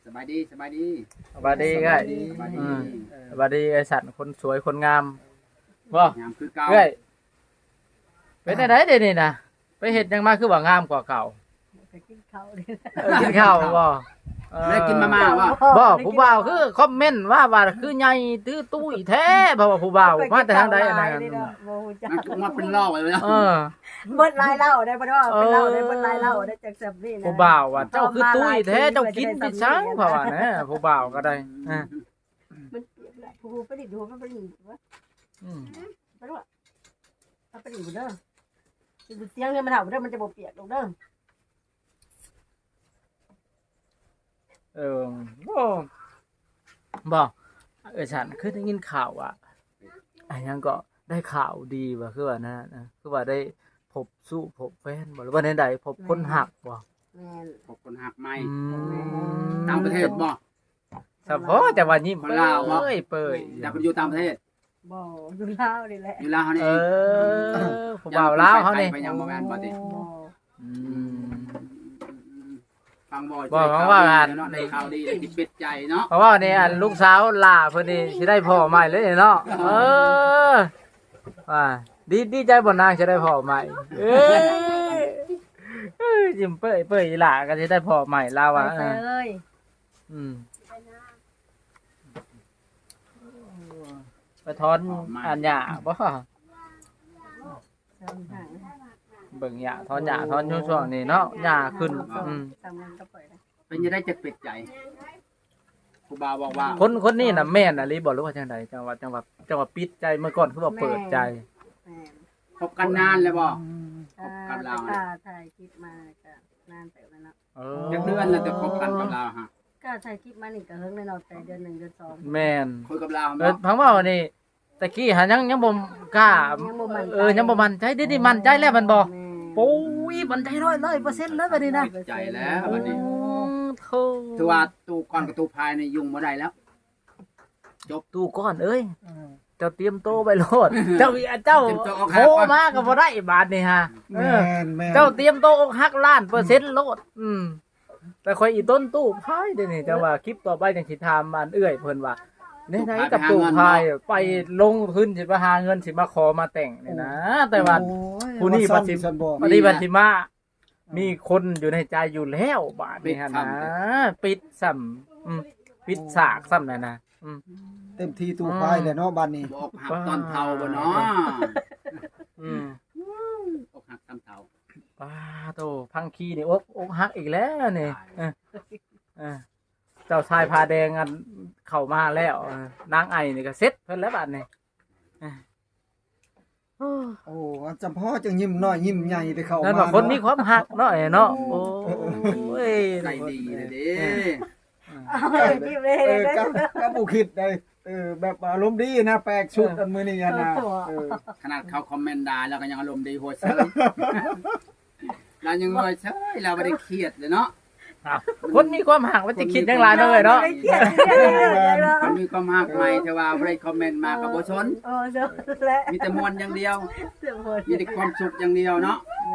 สบายดีสบายดีสบายดีก็สบายดีสบายดีไอ้สัตว์คนสวยคนงามบ่งามคือเก่าเอ้ยเป็นไดเดี๋ยวนี้นะไปเฮ็ดหยังมาคือว่างามกว่าเก่าไปกินข้าวเลยกินข้าวบ่ได้กินมาม่าบ่บ่ผู้บ่าวคือคอมเมนต์ว่าคือใหญ่ตื้อตุ้ยแท้เพราะว่าผู้บ่าวมาแต่ทางใดอันนั้นโมจักมันก็มาเป็นล่อไว้แล้วเบิดลายเล่าได้บ่ว่าเป็นเล่าได้เบิดลายเล่าได้จากสับนี่นะผู้บ่าวว่าเจ้าคือตุ้ยแท้เจ้ากินไปซังเพราะว่านะผู้บ่าวก็ได้มันผู้ไปดิดูมันไปดิวะอืมไปด้วยเอาไปดิเด้อเสียงเนี่ยมันเห่าเด้อมันจะบ่เปียกลงเด้อโอ้บ่ฉันคือได้ยินข่าวอ่ะอันยังก็ได้ข่าวดีว่าคือว่านะคือว่าได้พบแฟนบ่หรือว่าใดๆพบคนหักบ่แม่นพบคนหักใหม่ต่าต่างประเทศบ่เฉพาะแต่ว่ายิ้มคนลาวบ่เปื่อยอยากไปอยู่ต่างประเทศบ่อยู่ลาวนี่แหละอยู่ลาวเฮานี่ผู้บ่าวลาวเขานี่ไปยังบ่แม่นบ่ติบ่อืมฟังบ่บ่ฟังว่ากันเนาะในข่าวดีได้ที่เป็ดใจเนาะเพราะว่านี่อันลูกสาวล่าเพิ่นนี่สิได้พ่อใหม่เลยเนาะว่าดีใจบ่นางสิได้พ่อใหม่ยิ้มเปื่อยอีหล่าก็สิได้พ่อใหม่ลาวว่าไปเลยอืมไปถอนอันหญ้าบ่สองทางเบิ่งหญ้าถอนหญ้าถอนช่วงๆนี้เนาะหญ้าขึ้นทำงานก็ปล่อยนะเป็นจะได้จะเป็ดใจครูบาบอกว่าคนนี้น่ะแม่นอะลิบ่รู้ว่าจังไดจังหวัดปิดใจเมื่อก่อนคือว่าเปิดใจแม่นพบกันนานแล้วบ่กับเราถ่ายคลิปมาก็นานแต่แล้วเนาะจักเดือนแล้วจะคบกันกับเราฮะก็ถ่ายคลิปมานี่ก็เฮิงในเนาะแต่เดือน1เดือน2 แม่นคุยกับเราพังว่านี่ตะกี้หายังบ่กล้ายังบ่มั่นใจเดี๋ยวนี้มั่นใจแล้วมันบ่ปุ้ยมั่นใจ100% เลยบัดนี้นะใจแล้ววันนี้โธ่ถือว่าตู้ก่อนกับตู้ภายในยุ่งบ่ได้แล้วตู้ก้อนเอ้ยเจ้าเตรียมโตไปโลดเจ้าโทรมาก็บ่ได้บาดนี่ฮะแม่นเจ้าเตรียมโตอกหักล้าน%โลดแต่ข่อยอีต้นตู้พายเดี๋ยวนี้แต่ว่าคลิปต่อไปจังสิถามอันเอื้อยเพิ่นว่าไหนๆกับตู้พายไปลงทุนสิมาหาเงินสิมาขอมาแต่งนี่นะแต่ว่า ผู้นี้บัดสิ ปฏิบัติมามีคนอยู่ในใจอยู่แล้วบาดนี้ฮะนะปิดซ้ำปิดสากซ้ำนั่นนะเต็มที่ตู้พายเลยเนาะบ้านนี้บอกหักตอนเฒ่าบ่เนาะอกหักตอนเฒ่าป้าโตพังคีนี่อกหักอีกแล้วนี่เจ้าชายพาแดงอันเข้ามาแล้วนางไอนี่ก็เซ็ตเพิ่นแล้วบาดนี้โอ้จำพ่อจังยิ้มน้อยยิ้มใหญ่ไปเข้านั่นมาว่าคนมีความหักเนาะเนาะโอ้ยใจดีเลยเด้คลิปเลยก็บ่คิดได้แบบอารมณ์ดีนะแปลกชุดอันมื้อนี้นะขนาดเขาคอมเมนต์ด่าแล้วก็ยังอารมณ์ดีโหดเซยเรายังว่าเซยเราบ่ได้เครียดเลยเนาะคนมีความหักว่าจะคิดจังหลายเนาะเนาะมันมีความหักใหม่แต่ว่าบ่ได้คอมเมนต์มาก็บ่สนโอ้เจ้าและมีแต่มวลอย่างเดียวเสียงโหดมีแต่ความสุขอย่างเดียวเนาะแม่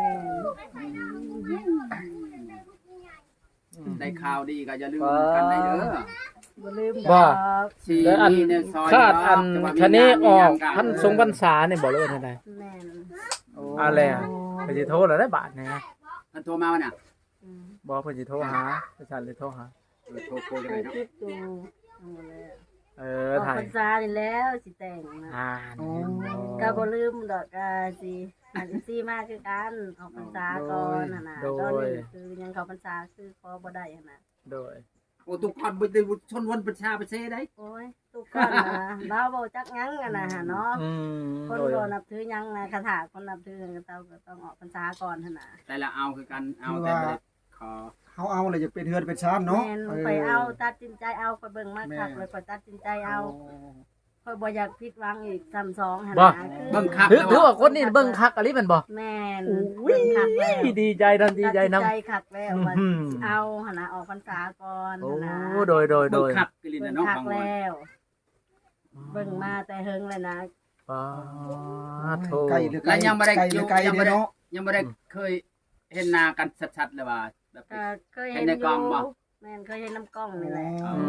ได้ข่าวดีก็อย่าลืมกันได้เด้อบ่ลืมสีแล้วอันเนี่ยซอยคาดอันแต่ว่าชะนี้ออกมีงาพันทรงพรรษาเนี่ยบอกเลยว่าไงแม่นอะไรอ่ะเพิ่นสิโทรแล้วได้บาทเนี่ยท่านโทรมาวันน่ะบอกเพิ่นสิโทรหาประชาชนเลยโทรหาโทรคุยกันเลยเนาะคลิปดูออกถ่ายพรรษานี่แล้วสิแต่งนะ ก็บ่ลืมดอกสิอันซี่มากคือกันออกพรรษาก่อนหั่นน่ะตอนนี้คือยังเข้าพรรษาคือขอบ่ได้หั่นน่ะโดยโอ้ทุกคนบ่ได้ชนวนประชาประเทศได้โอ้ยทุกคนนะเราบ่จักหยังกันน่ะเนาะคนโดยบ่นับถือหยังนะคาถาคนนับถือก็ต้องออกพรรษาก่อนหั่นน่ะแต่ละเอาคือกันเอาแต่บ่ได้ขอเฮาเอาเลยจะเป็นเฮือนเป็นชานเนาะแม่นไปเอาตัดสินใจเอาไปเบิ่งมาคักเลยไปตัดสินใจเอาค่อยบ่อยากผิดหวังอีกซ้ำสองหั่นน่ะเบิ่งคักถือว่าคนนี้เบิ่งคักอะไรมันบ่แม่นอุ้ยเบิ่งคักแล้วดีใจทันดีใจนำตัดสินใจคักแล้วว่าสิเอาหั่นน่ะออกพรรษาก่อนโอ้หั่นน่ะโดยเบิ่งคักกิลินเบิ่งเนาะคักบางวันแล้ว เบิ่งมาแต่เฮิงเลยนะป้าโทไกลหรือไกลแล้วยังบ่ได้ไกลหรือไกลยังบ่ได้เนาะยังบ่ได้เคยเห็นหน้ากันชัดๆเลยว่าแบบก็เคยเห็เห็นนในอกล้องบ่ยู่แม่นเคยเห็นน้ำกล้องนี่แหละ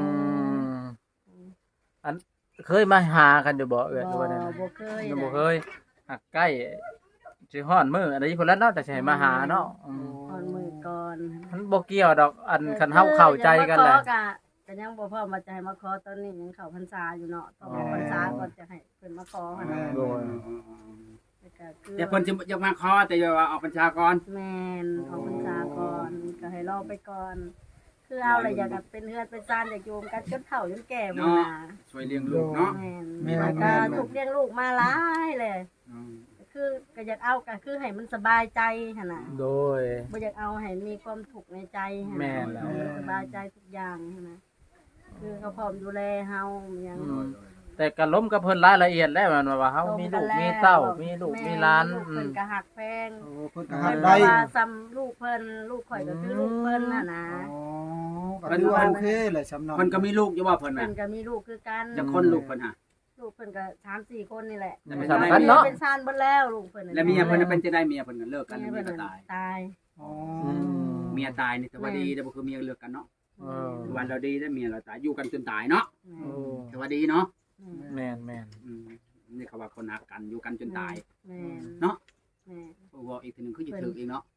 อันเคยมาหากันอยู่บ่เอื้อยหรือว่าไดบ่เคยยังบ่เคยหักใกล้สิฮ้อนมื้ออันนี้พุ่นแล้วเนาะแต่สิให้มาหาเนาะตอนมือก่อนมันบ่เกี่ยวดอกอันคันเฮาเข้าใจกันแหละก็ยังบ่พร้อมมาใจมาขอตอนนี้ยังเข้าพรรษาอยู่เนาะต้องเข้าพรรษาก่อนจะให้เพิ่นมาขอหั่นน่ะโดยแล้วก็คือเดี๋ยวเพิ่นจะมาขอแต่อย่าว่าออกพรรษาก่อนแม่นเข้าพรรษาก่อนก็ให้รอไปก่อน คือเอาอะไรอยากเป็นเฮือนเป็นซ่านอยากอยู่กันจนเฒ่าจนแก่หมดน่ะช่วยเลี้ยงลูกเนาะแม่นแล้วก็ถูกเลี้ยงลูกมาหลายเลยคือก็อยากเอาก็คือให้มันสบายใจหั่นน่ะโดยบ่อยากเอาให้มีความทุกข์ในใจหั่นแม่น่ะนแล้วสบายใจทุกอย่างหั่นน่ะคือเขาพร้อมดูแลเฮาหยังแต่ก็ล้มกับเพิ่นรายละเอียดแล้วมันว่าเฮามีลูกมีเต้ามีลูกมีหลานลูกเพิ่นก็หักแพงโอ้เพิ่นก็เพิ่หันกได้ได้ว่าซ้ำลูกเพิ่นลูกข่อยก็คือลูกเพิ่นน่ะนะอ๋อก็ถือว่าโอเคเลยสำเนาเพิ่นก็มีลูกอยู่ว่าเพิ่นเพิ่น่ะนก็มีลูกคือกันจะคนลูกเพิ่นหะลูกเพิ่นก็3-4คนนี่แหละไม่สำคัญเนาะเป็นชานเบิดแล้วลูกเพิ่นแล้วเมียเพิ่นเป็นจะได้เมียเพิ่นก็เลิกกันเมีเมียยเพิ่ก็นตายตายอ๋อเมียตายนี่แต่ว่าดีแต่บ่คือเมียเลิกกันเนาะเออวันเราดีได้เมียเราตายอยู่กันจนตายเนาะโอ้แต่ว่าดีเนาะแม่นแม่นนี่เขาว่าคนหักกันอยู่กันจนตายแม่นเนาะแม่นบอกอีกทีหนึงคือจะถึกอีกเนาะ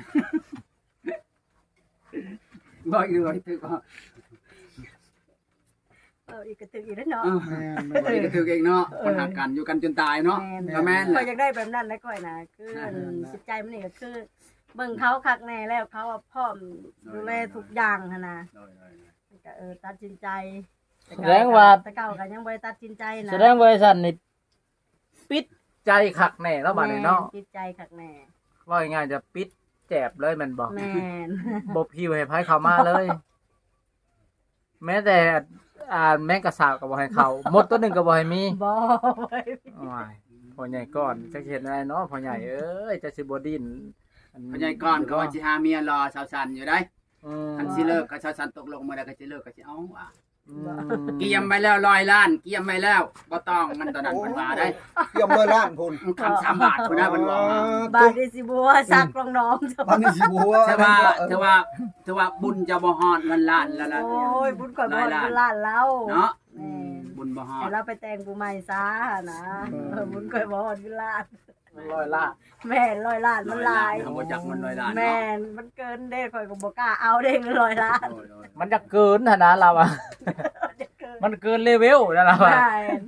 บอกอีกทีถึกก็อีกกระตึกอีกแล้วเนาะแม่นบอกอีกถึกเองเนาะคนหักกันอยู่กันจนตายเนาะ ก็แม่นแหละข่อยอยากได้แบบนั้นแล้วข่อยน่ะคือจิตใจมันนี่ก็คือเบิ่งเขาคักแน่แล้วเขาว่าพร้อมดูแลทุกอย่างหั่นน่ะก็ตัดสินใจแสดงว่าแต่เก่าก็ยังบ่ได้ตัดสินใจนะแสดงว่าไอ้สันนี่ปิดใจคักแน่แล้วบัดนี้เนาะแม่จิตใจคักแน่ว่าง่ายๆจะปิดแจบเลยแมันบอกแม่นบ่พิวให้ไผเข้ามาเลย แม้แต่แม่งกระสาบก็บ่ให้เข้าหมดตัวหนึงก็บ่ให้มีบ่ว้ายพ่อใหญ่ก่อนจักเฮ็ดอะไรเนาะพ่อใหญ่เอ้ยจะสิบ่ดิ้นพญายก่อนก็ว่าสิหาเมียรอสาวสันอยู่ได้อืมคันสิเลิกก็สาวสันตกลงมาได้ก็สิเลิกก็สิเอาว่ะอืมเกียมไปแล้ว100 ล้านเกียมไปแล้วบ่ต้องมันตอนนั้นเพิ่นว่าได้เกี่ยมเลยล้านพุ่นคำ3 บาทพุ่นนะเพิ่นว่าบาดนี้สิบัวซักน้องๆตอนนี้สิบัวถือว่าบุญจะบ่ฮอดเงินล้านแล้วล่ะโอ้ยบุญก่อนบ่บุญล้านเราเนาะแม่นบุญบ่ฮอแต่ดเราไปแต่งผู้ใหม่ซะนะบุญก่อนบ่บุญล้าน 100 ล้านแม่น100ล้านมันหลายเขาบ่จักมัน100 ล้านแม่เนาะนมันเกินเด้ข่อยก็บ่กล้าเอาเด้100ล้านโอ้ยมันจะเกินหั่นนะเราอ่ะ มันเกินเลเวลนะเราอ่ะใช่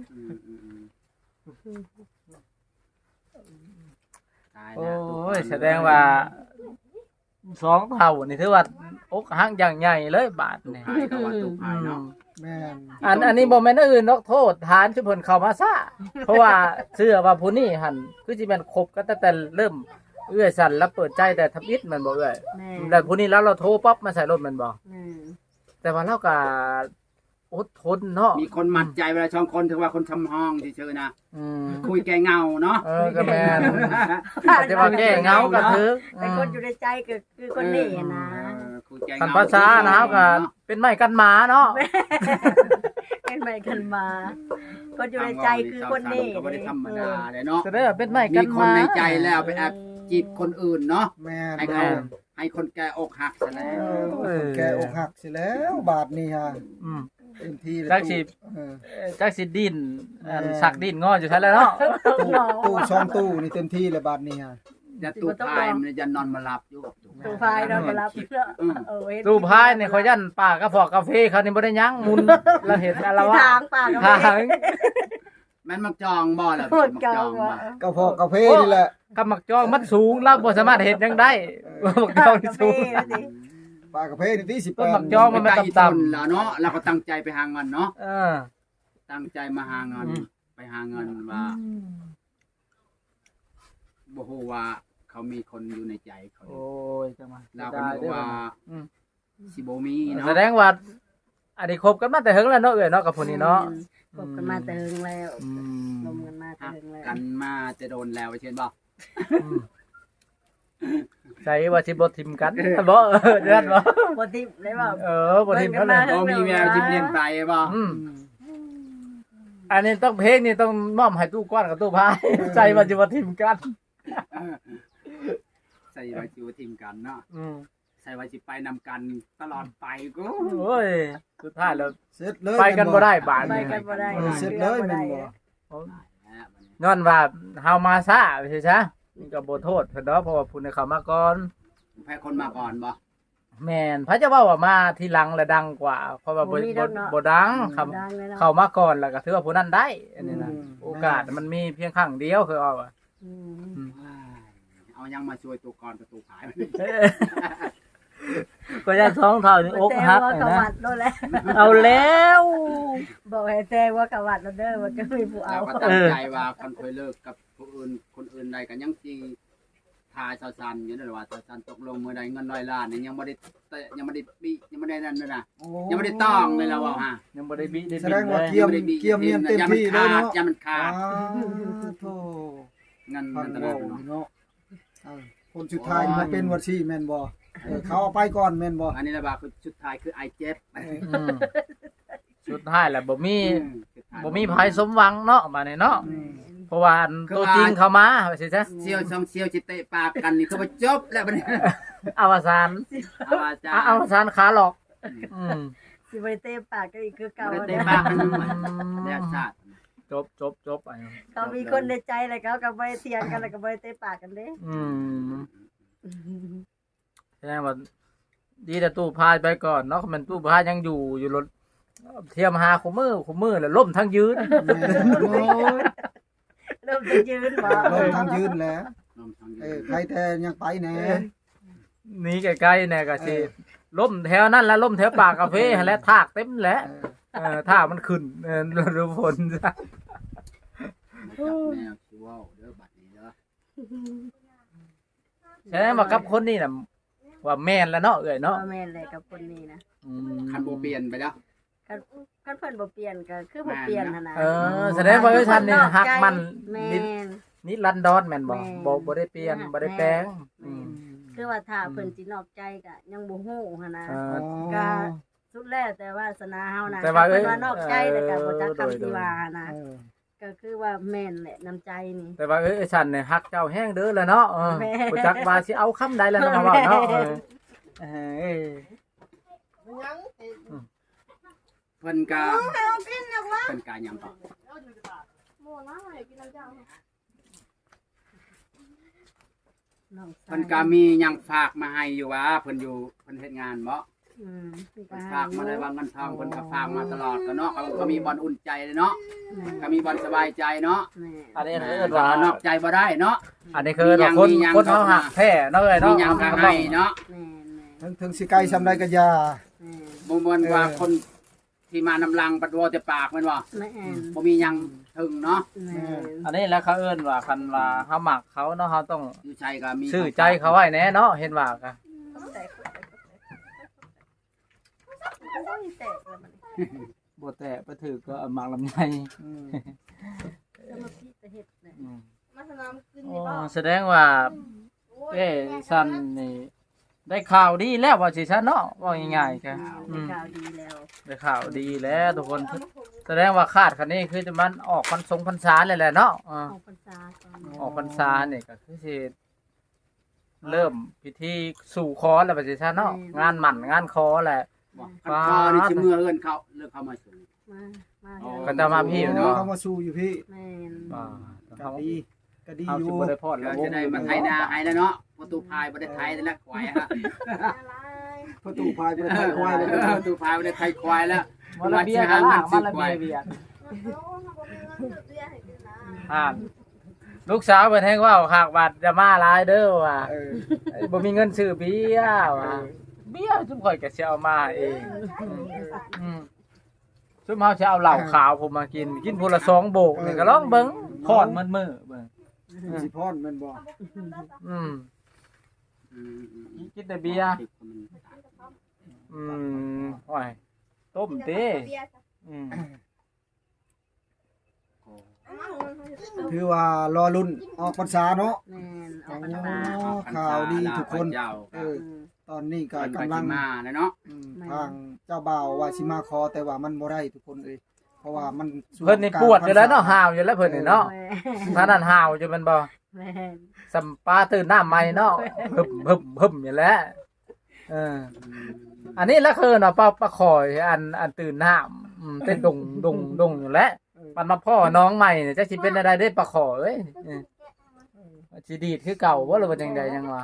ตายโอแล้ว้ยแสดงว่า2 เท่านี่ถือว่าอกหักอย่างใหญ่เลยบาทนี่ตายก็ว่าตุกภายเนาะแม่นอันนี้บ่แม่นอื่นนกโทษฐานชุเพิ่นเข้ามาซะเพราะว่าเชื่อว่าผู้นี้หั่นคือสิแม่นคบกันตั้งแต่เริ่มเอื้อยสั่นแล้วเปิดใจแต่ทำอิฐมันบ่เอื้อยแม่แล้วผู้นี้แล้วเราโทรปั๊บมาใส่รถมันบ่แม่แต่ว่าเราก็อดทนเนาะมีคนหมัดใจเวลาช่องคนถือว่าคนทำห้องเฉยๆนะอืมคุยแกเงาเนาะก็แม่นอาจจะว่าแก้เหงาก็ถึกแต่คนอยู่ในใจก็คือคนนี้นะคุยแกคันเงาภาษานะครับก็เป็นไม้กันหมาเนาะเป็นไปกันมา คนอยู่ในใจคือคนนี้ก็ไม่ได้ธรรมดาเลยเนาะจะได้เป็นไม้กัมีนคหนมาในใจแล้วไปแอบจีบคนอื่นเนาะแม่นให้เขาให้คนแกอกหักซะแล้วคนแกอกหักสิแล้วบาทนี่ฮะอืมเต็มที่เลยจักสิเออจักสิดินสักดินงออยู่ซั่นแหล้วเนาะตู้ช่องตู้นี่เต็มที่เลยบาทนี่ฮะจะตู้พายมันจะนอนมาหลับอยู่กับตู้ตูพายเราก็รับเออตู้พายนี่เขายันป่ากระฟอกกาแฟเขานี่บ่ได้ยั้งมุนแล้วเห็นอะไรวะทางป่าก็ทาไม่งมันมักจองบ่ล่ะหมดมักเก่าจองบ่ว่ะกาแฟกาแฟนี่แหละกำมักจองมันสูงเราบ่สามารถเห็นยังได้มักจองนี่สูงปลากาแฟนี่ที่สิบต้แปนดมักจองมันต่ำๆแล้วเนาะเราก็ตั้งใจไปหาเงินเนาะเออตั้งใจมาหาเงินไปหาเงินว่าบ่ฮู้ว่าเขามีคนอยู่ในใจเขาโอ้ยจังหวะเราก็นึกว่าสิบ่มีเนาะแสดงว่าอันนี้คบกันมาแต่เฮิงแล้วเนาะเอ้ยเนาะกับผู้นี้เนาะคบกันมาแต่หึงแล้วอืมลมกันมาแต่หักหึงแล้วกันมาจะโดนแล้วเช่นบ่ใช่ว่าสิบ่ทิมกันบ่เดือนบ่บ่ทิพย์ได้บ่บ่ทิมกันเลยบ่มีแววจิ้มเลียนไปบ่อันนี้ต้องเพลงนี่ต้องมอบให้ตู้ก้อนกับตู้พายใจว่าสิบ่ทิมกันใส่ว่าจิวทีมกันเนาะใส่ว่าสิไปนำกันตลอดไปกูโอ้ยสุดท้ายแล้วเสร็จเลยไปกันบ่ได้บาดไปนี้กันบ่ได้เสร็จเลยแม่นบ่ย้อนว่าเฮามาช้าใช่ซะนี่ก็บ่โทษเพิ่นดอกเพราะว่าผู้ใดเข้ามาก่อนแพ้คนมาก่อนบ่แม่นพระเจ้าว่าว่ามาทีหลังแล้วดังกว่า เพราะว่าบ่ดังคำดังเลยเนาะเข้ามาก่อนแล้วก็ถือว่าผู้นั้นได้อันนี้นะโอกาสมันมีเพียงครั้งเดียวคือเอาอะอืมเอายังมาช่วยตัวก่อนประตูขายก็จะท้องเท่านี่อกหักแต่ว่านะกวัดโดนแล้วเอาแล้วบอกให้แซงว่ากวัดแล้วเด้อว่าจะมีผู้เอาเราก็ตั้งใจว่าคนเคยเลิกกับคนอื่นใดกันยังจีทายซาซันอยู่นั่นแหละว่าซาซันตกลงเมื่อใดเงิน100 ล้านนี่ยังไม่ได้ปียังไม่ได้นั่นเลยนะยังไม่ได้ต้องเลยเราว่าฮะยังบ่ได้บิได้แสบิดดงเลว่าย เกียมเนียนเต็มที่เลยเนาะยังมันขาดโธ่เงินพันตโลลาดเนาะเนาะคนสุดท้ายมาเป็นวัดชีแม่นบ่เขาเอาไปก่อนแม่นบ่อันนี้ระบาดคือชุดท้ายคือไอเจ็บอืมสุดท้ายแล้วบ่มีภัยสมหวังเนาะมานี่เนาะเพราะว่าอันตัวจริงเข้ามาว่าสิซะเซียวช่องเซียวจิเตะปากกันนี่คือว่าจบแล้วบัดนี้อวสานเอาอาจารย์อวสานขาหลอกอืมสิบ่ได้เตะปากก็อีกคือเก่าไม่ได้เด้เตะอปากกันแล้วชาติจบไปเขามีคนในใจแล้วเขาก็บ่ได้เถียงกันแล้วก็บ่ได้เตะปากกันเด้อืมแสดงว่าดีแต่ตู้พายไปก่อนเนาะมันตู้พายยังอยู่รถเทียมหาคู่มือแล้วล่มทั้งยืนโอ้ยเริ่มจะยืนบ่ลงทางยืนแล้วนมทางใครแต่ยังไปแน่หนี่ใกล้ๆเนี่ยก็สิล่มแถวนั้นแล้วล่มแถวปากกาแฟหั่นแหละทากเต็มแหล้วทากมันขึ้นฤดูฝนซะแนวคิวเด้อบัดนี้เด้อแสดงว่ากับคนนี้น่ะว่าแม่นแล้วเนาะเอ้ยเนาะบ่แม่นเลยกับคนนี้นะอืมคันโบเปลี่ยนไปแล้วคันเพิ่นบ่เปลี่ยนก็คือบ่เปลี่ยนหั่นน่ะแสดงว่าเอ้ยท่านนี่ฮักมันแม่นนิรันดรแม่นบ่แม่นบ่ได้เปลี่ยนบ่ได้แปลงอืมคือว่าถ้าเพิ่นสินอกใจก็ยังบ่ฮู้หั่นน่ะเออก็สุดแล้วแต่ว่าสนาเฮานะแต่ว่าเพิ่นว่านอกใจแล้วก็บ่จักโดยคำที่ว่านะ ก็คือว่าแม่นแหละน้ำใจนี่แต่ว่าเอ้ยฉันเนี่ยฮักเจ้าแห้งเด้อแล้วเนาะแม่บ่จักว่าสิเอาคำใดแล้วเนาะมาเว้าเนาะเอ้ยเพิ่นกาเพิ่นกายังต่อเพิ่นกามียังฝากมาให้อยู่ว่าเพิ่นอยู่เพิ่นเฮ็ดงานบ่อืมเพิ่นฝากมาได้ว่าเงินทองเพิ่นก็ฝากมาตลอดก็เนาะเขามีบอลอุ่นใจเลยเนาะก็มีบอลสบายใจเนาะแม่อันนี้เอคืออว่านอกใจบ่ได้เนาะอันนี้คือว่าคนคนเฮาหักแท้เนาะเอ้ยมีเนาะหยังก็ให้เนาะแม่แม่ถึงสิไกลซำใดก็อย่าแม่บ่ม่วนว่าคนที่มานำลังปัดวอแต่ปากแม่นบ่แม่บ่มีหยังถึงเนาะแม่อันนี้แล้วเขาเอิ้นว่าคันว่าเฮามักเขาเนาะเฮาต้องอยู่ใจก็มีซื้อใจเขาไว้แน่เนาะเห็นว่าก็แตกแตกแล้วมันบ่แตะไปถือก็มักลำไยจะมาพี่จะเฮ็ดเนี่ยมาสนามกินอ๋ดีบ่อแสดงว่าเอ้ซันนี่ได้ข่าวดีแล้วว่าสิซะเนาะว่าง่ายๆก็เป็นข่าวดีแล้วได้ข่าวดีแล้วทุกคนแสดงว่าคาดคันนี้คือมันออกพรรษาเลยแหละเนาะออกพรรษาก่อนออกพรรษาเนี่ยก็คือสิเริ่มพิธีสู่ขอแล้วว่าสิซะเนาะงานหมั่นงานขอแหละบ่คันคอนี่สิมือเอิ้นเขาเลิกเข้ามาสู่มาก็จะมาพี่เนาะเขามาสู้อยู่พี่แม่นอ่าก็ดีก็ดีเอาอยู่สิบ่ได้พอดแล้เราวจะได้มาไทยนาให้แล้วเนาะประตูพายบ่ได้ไทยแล้วควายฮะประตูพายไปไทยควายเลยประตูพายบ่ได้ไทยควายแล้วมาละเบียกันล่างมาละเบียอ่าลูกสาวเพิ่นแฮงว่าหากบาดจะมาหลายเด้อว่ะบ่มีเงินซื้อเบียร์ว่ะเบียร์ซุมข่อยก็สิเอามาเองอืมซุมเฮาสิเอาเหล้าขาวผมมากินพุ่นละ2โบกนี่ก็ลองเบิ่งพอดมันมื้อเบิ่งสิพรแม่นบ่อืมอืมกินแต่เบียร์อืมโอ้ยต้มเต้อืมถือว่ารอลุ้นออกพรรษาเนาะแม่นออกพรรษาข่าวดีทุกคนเจ้าตอนนี้ก็กำกำลัลังงมาแล้วเนาะทางเจ้าบ่าวว่าสิมาขอแต่ว่ามันบ่ได้ทุกคนเอ้ยเพราะว่ามันเพิ่นนี่ปวดอยู่แล้วเนาะห่าวอยู่แล้วเพิ่นนี่เนาะแม่ถ้านั้นห่าวอยู่แมันบ่แม่นสัมปลาตื่นน้ำใหม่เนาะหึบอยู่แล้วอันนี้ละคือเนาะปลาคอยอันตื่นน้ำเต้นดงอยู่แล้วมันมาพ่อน้องใหม่เนี่ยจะสิเป็นอะไรได้ปลาคอเอ้ยสิดีดคือเก่าบ่หรือว่าจังใดจังว่า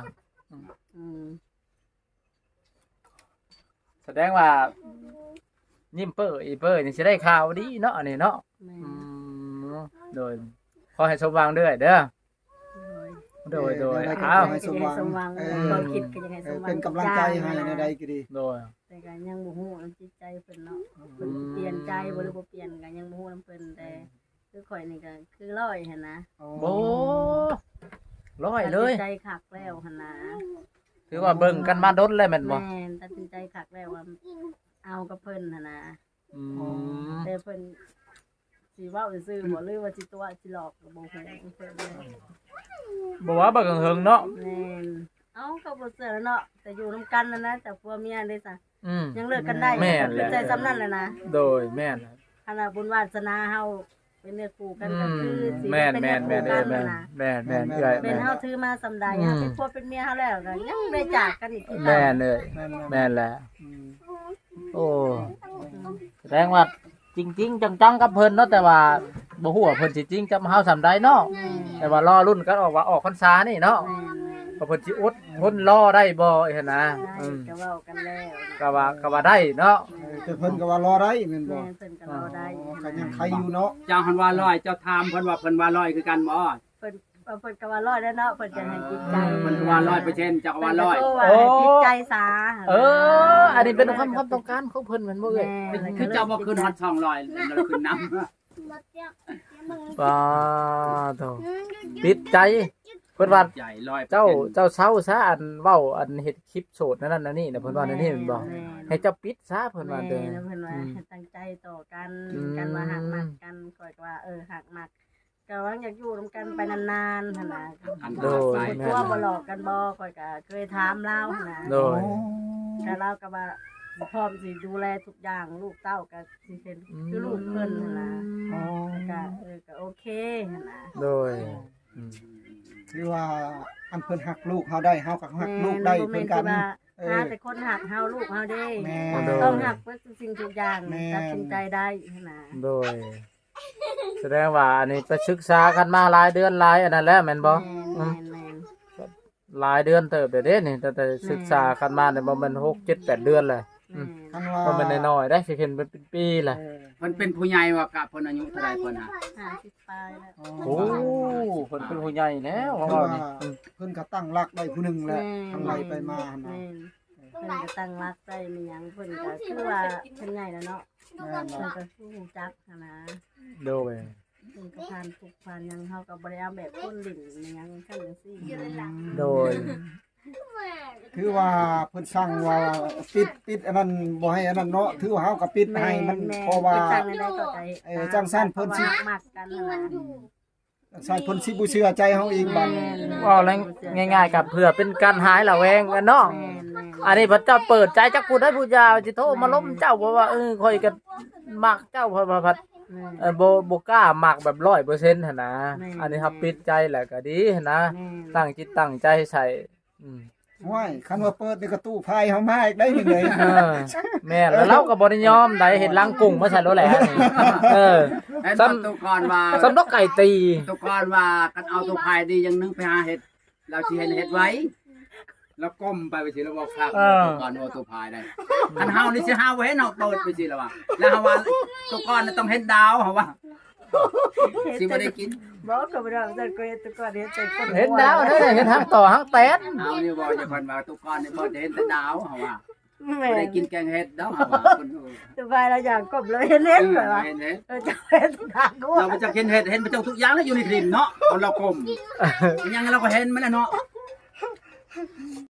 แสดงว่ายิ้มเป้ออีเป้อนี่สิได้ข่าวดีเนาะอันนี้เนาะโดยขอให้สมหวังด้วยเด้อโดยอ้าวให้สมหวังความคิดก็ยังให้สมหวังเป็นกำลังใจให้ในใดก็ดีโดยแต่ก็ยังบ่ฮู้นำจิตใจเพิ่นเนาะเพิ่นเปลี่ยนใจบ่หรือบ่เปลี่ยนก็ยังบ่ฮู้นำเพิ่นแต่คือข่อยนี่ก็คือร้อยหั่นนะโอ้ร้อยเลยตัดสินใจคักแล้วหั่นนะถือว่าเบิ่งกันมาดนเลยแม่นบ่แม่นตัดสินใจคักแล้วว่าเอากับเพิ่นหั่นนะแต่เพิ่นสิเว้าซื่อๆบ่หรือว่าสิตัวสิหลอกก็บ่ฮู้เพิ่นเลยบ่ว่าบักเฮิงเนาะแม่นเอ้าก็บ่เชื่อแล้วเนาะแต่อยู่นำกันนั่นนะแต่ผัวเมียได้ซะยังเลิกกันได้แม่นเป็นใจซ้ำนั่นแหละนะโดยแม่นขนาดบุญวาสนาเฮาเป็นเนื้อคู่กันก็คือสิแม่นเป็นแม่เนื้อน คู่แม่นกันแม่นนะแม่นเอื้อยเป็นเฮาถือมาสำใดเฮาเป็นผัวเป็นเมียเฮาแล้วก็ยังได้จากกันอีกคือแม่เก่านเลยแม่นแม่นแหละโอ้แสดงว่าจริงๆจังๆกับเพิ่นเนาะแต่ว่าบ่ฮู้ว่าเพิ่นสิจริงจังเฮาสำใดเนาะแต่ว่ารอรุ่นกันออกว่าออกพรรษานี่เนาะแม่นว่าเพิ่นสิอดทนรอได้บ่อีหั่นนะได้ก็เว้ากันแล้วก็ว่าได้เนาะแต่เพิ่นก็ว่ารอได้แม่นบ่แม่นเพิ่นก็รอได้ก็ยังใครอยู่เนาะเจ้าหันว่าร้อยเจ้าถามเพิ่นว่าเพิ่นว่าร้อยคือกันบ่เพิ่นก็ว่ารอดแล้วเนาะเพิ่นจะให้จิตใจเพิ่นว่า100%เจ้าก็ว่าร้อยเพิ่นก็ว่าให้จิตใจซาอันนี้เป็นความต้องการของเพิ่นแม่นบ่เอ้ยคือเจ้าบ่ขึ้นฮอด200แล้วขึ้นนำปาโตติดใจเพิ่นว่าใหญ่100% เจ้าเศร้าซะอันเว้าอันเฮ็ดคลิปโสดนั่นน่ะนี่น่ะเพิ่นว่านั่นนี่แม่นบ่ให้เจ้าปิดซะเพิ่นว่าเด้อแม่เพิ่นว่าให้ตั้งใจต่อกันกันว่าหักมักกันก่อยว่าหักมักก็ว่าอยากอยู่ร่วมกันไปนานๆหั่นน่ะโดยตัวบ่หลอกกันบ่ก่อยก็เคยถามเล่าหั่นน่ะโดยแต่เราก็ว่าพร้อมสิดูแลทุกอย่างลูกเต้าก็สิเป็นคือลูกเพิ่นหั่นน่ะก็โอเคหั่นน่ะโดยคือว่าอันเพิ่นหักลูกเฮาได้เฮาก็หักลูกได้เพิ่นกันหาแต่คนหักเฮาลูกเฮาเด้แม่ต้องหักเพื่อสิ่งทุกอย่างตัดสินใจได้หั่นน่ะโดยแสดงว่าอันนี้ไปศึกษากันมาหลายเดือนหลายอันนั้นแหละแม่นบ่แม่นหลายเดือนเติบเด้นี่แต่ศึกษากันมาเนี่ยบ่แม่น6 7 8เดือนเลยคันว่าบ่แม่นน้อยๆได้สิเห็นเป็นปีแหละเพิ่นเป็นผู้ใหญ่ว่ากะเพิ่นอายุเท่าใดเพิ่นน่ะ 50ปลายแล้วโอ้เพิ่นเป็นผู้ใหญ่แล้วว่าคือว่านี่เพิ่นก็ตั้งรักได้ผู้หนึงแหละทางไหลไปมาหั่นแม่น่ะนเพิ่นก็ตั้งรักได้มีหยังเพิ่นก็คือว่าเพิ่นใหญ่แล้วเนาะแม่นเพิ่บ่นก็สู้จักหั่นนะโดยเพิ่นก็ผ่านทุกข์ผ่านหยังเฮาก็บ่ได้เอาแบบคนลิ้นมีหยังคั่นจังซี่โดยคือว่าเพิ่นสั่งว่าปิดอันนั้นบ่ให้อันนั้นเนาะถือว่าเฮาก็ปิดให้มันเพราะว่าจังได้ก็ใจจังซั่นเพิ่นสิมักกันนั่นน่ะใส่เพิ่นสิบ่เชื่อใจเฮาอีกบัดว่าแล้วง่ายๆกับเพื่อเป็นการหายระแวงกันเนาะแม่นอันนี้พระเจ้าเปิดใจจักผู้ใดผู้ยาวสิโทรมาล้มเจ้าบ่ว่าข่อยก็มักเจ้าพัดบ่กล้ามักแบบ 100%หั่นนะอันนี้ครับปิดใจแหละก็ดีหั่นนะตั้งจิตตั้งใจใส่ห้วยคันว่าเปิดนี่ก็ตู้ไพ่เฮามาอีกได้นี่เลยแม่นแล้วเราก็บ่ได้ยอมได้เห็นลังกุ้งมาใส่รถแหละนี่ซ้ำตุกอนว่าสำนกไก่ตีตุกอนว่ากันเอาตุภายดีอย่างนึงไปหาเห็ดเราสิเห็นเห็ดไว้แล้วก้มไปสิแล้วบอกครับตุกอนว่าตุภายได้คันเฮานี่สิหาไว้ให้เนาะเปิดไปสิแล้วว่าแล้วเฮาว่าตุกอนต้องเห็นดาวเฮาว่าสิบ่ได้กินบอกก็บ่ได้แต่ก็ตุกอนเห็นแต่คนเห็นดาวเด้อเห็นทางต่อทางแตนเอานี่บอกจะเพิ่นว่าตุกอนนี่บ่ได้เห็นแต่ดาวเฮาว่าแม่บ่ได้กินแกงเห็ดดาวเฮาว่าคนตุบายเราอย่างกบเลยเห็นก่อนว่าเห็นเห็ดจะเป็นทางกูเราไปจะเห็นเห็ดเห็นไปเจ้าทุกอย่างแล้วอยู่ในคลิปเนาะคนเรากลมยังเราก็เห็นมันแหละเนาะ